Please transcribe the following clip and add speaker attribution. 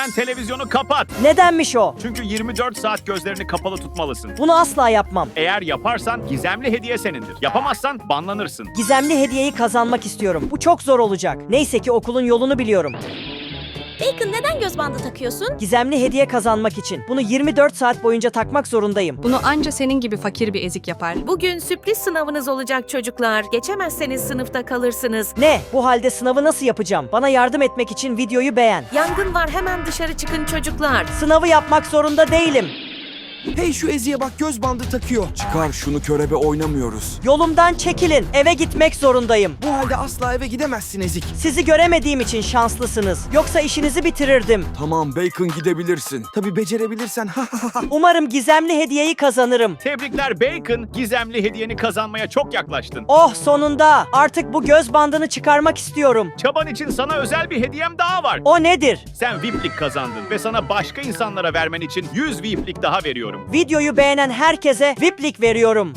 Speaker 1: Hemen televizyonu kapat.
Speaker 2: Nedenmiş o?
Speaker 1: Çünkü 24 saat gözlerini kapalı tutmalısın.
Speaker 2: Bunu asla yapmam.
Speaker 1: Eğer yaparsan gizemli hediye senindir. Yapamazsan banlanırsın.
Speaker 2: Gizemli hediyeyi kazanmak istiyorum. Bu çok zor olacak. Neyse ki okulun yolunu biliyorum.
Speaker 3: Bacon, neden göz bandı takıyorsun?
Speaker 2: Gizemli hediye kazanmak için. Bunu 24 saat boyunca takmak zorundayım.
Speaker 4: Bunu anca senin gibi fakir bir ezik yapar.
Speaker 5: Bugün sürpriz sınavınız olacak çocuklar. Geçemezseniz sınıfta kalırsınız.
Speaker 2: Ne? Bu halde sınavı nasıl yapacağım? Bana yardım etmek için videoyu beğen.
Speaker 5: Yangın var, hemen dışarı çıkın çocuklar.
Speaker 2: Sınavı yapmak zorunda değilim.
Speaker 6: Hey, şu Ezi'ye bak, göz bandı takıyor. Çıkar şunu, körebe oynamıyoruz.
Speaker 2: Yolumdan çekilin. Eve gitmek zorundayım.
Speaker 6: Bu halde asla eve gidemezsin Ezik.
Speaker 2: Sizi göremediğim için şanslısınız. Yoksa işinizi bitirirdim.
Speaker 6: Tamam Bacon, gidebilirsin. Tabii becerebilirsen.
Speaker 2: Umarım gizemli hediyeyi kazanırım.
Speaker 1: Tebrikler Bacon. Gizemli hediyeni kazanmaya çok yaklaştın.
Speaker 2: Oh, sonunda. Artık bu göz bandını çıkarmak istiyorum.
Speaker 1: Çaban için sana özel bir hediyem daha var.
Speaker 2: O nedir?
Speaker 1: Sen VIP'lik kazandın ve sana başka insanlara vermen için 100 VIP'lik daha veriyorum.
Speaker 2: Videoyu beğenen herkese VIP'lik veriyorum.